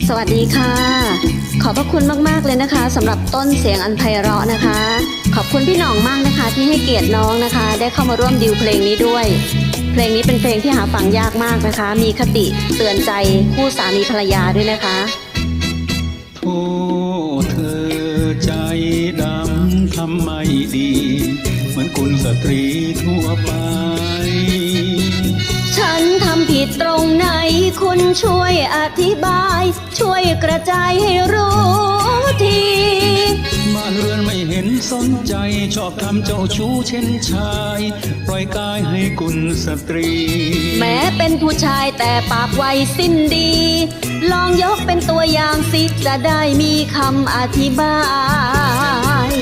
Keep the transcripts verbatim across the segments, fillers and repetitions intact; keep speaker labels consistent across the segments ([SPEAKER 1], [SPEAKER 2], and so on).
[SPEAKER 1] สวัสดีค่ะขอบพระคุณมากๆเลยนะคะสำหรับต้นเสียงอันไพเราะนะคะขอบคุณพี่หน่องมากนะคะที่ให้เกียรติน้องนะคะได้เข้ามาร่วมดิวเพลงนี้ด้วยเพลงนี้เป็นเพลงที่หาฟังยากมากนะคะมีคติเตือนใจคู่สามีภรรยาด้วยนะคะ
[SPEAKER 2] โทษเธอใจดำทำไม่ดีเหมือนคุณสตรีทั่วไป
[SPEAKER 1] ฉันทำผิดตรงไหนคุณช่วยอธิบายช่วยกระจายให้รู้ที
[SPEAKER 2] บ้านเรือนไม่เห็นสนใจชอบทำเจ้าชู้เช่นชายปล่อยกายให้กุลสตรี
[SPEAKER 1] แม้เป็นผู้ชายแต่ปากไวสิ้นดีลองยกเป็นตัวอย่างสิจะได้มีคำอธิบาย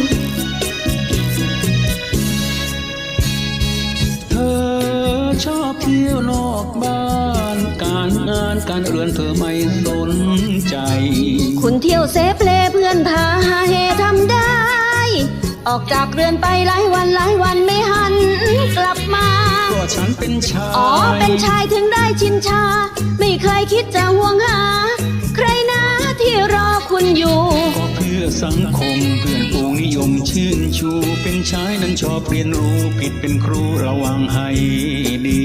[SPEAKER 2] เธอชอบเที่ยวนอกบ้านการงานการเรือนเธอไม่สนใจ
[SPEAKER 1] คุณเที่ยวเซฟเลเพื่อนพาหาเฮทำได้ออกจากเรือนไปหลายวันหลายวันไม่หันกลับมา
[SPEAKER 2] ก็ฉันเป็นชาย
[SPEAKER 1] อ๋อเป็นชายถึงได้ชินชาไม่เคยคิดจะห่วงหาใครนะที่รอคุณอยู่
[SPEAKER 2] ก็เพื่อสังคมเพื่อนฝูงนิยมชื่นชูเป็นชายนั้นชอบเรียนรู้ผิดเป็นครูระวังให้ดี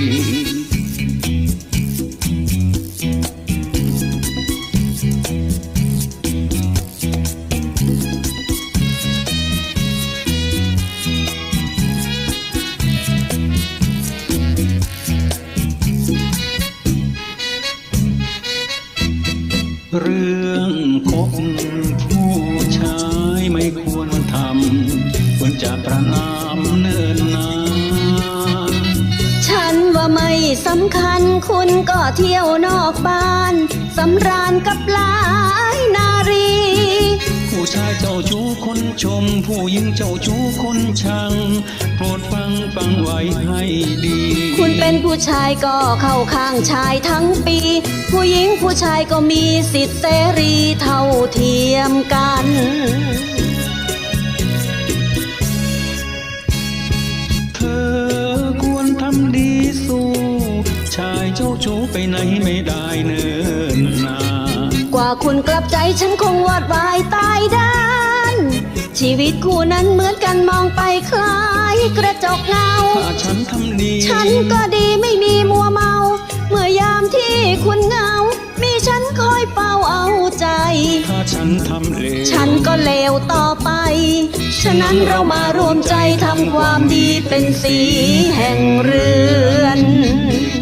[SPEAKER 2] เรื่องคบผู้ชายไม่ควรทำควรจะประนามเนิ่นนาน
[SPEAKER 1] ฉันว่าไม่สำคัญคุณก็เที่ยวนอกบ้านสำราญกับหลายนารี
[SPEAKER 2] ผู้ชายเจ้าชู้คนชมผู้หญิงเจ้าชู้คนชังโปรดฟังฟังไว้ให้ดี
[SPEAKER 1] คุณเป็นผู้ชายก็เข้าข้างชายทั้งปีผู้หญิงผู้ชายก็มีสิทธิเสรีเท่าเทียมกัน
[SPEAKER 2] เธอควรทำดีสู้ชายเจ้าชู้ไปไหนไม่ได้เนิ่นนาน
[SPEAKER 1] กว่าคุณกลับใจฉันคงวอดวายตายด้านชีวิตคู่นั้นเหมือนกันมองไปคล้ายกระจกเงา
[SPEAKER 2] ถ้าฉันทำดี
[SPEAKER 1] ฉันก็ดีไม่มีมัวเมาเมื่อยามที่คุณเหงามีฉันคอยเป่าเอาใจ
[SPEAKER 2] ถ้าฉันทำเลว
[SPEAKER 1] ฉันก็เลวต่อไปฉะนั้นเรามารวมใจทำความดีเป็นสีแห่งเรือน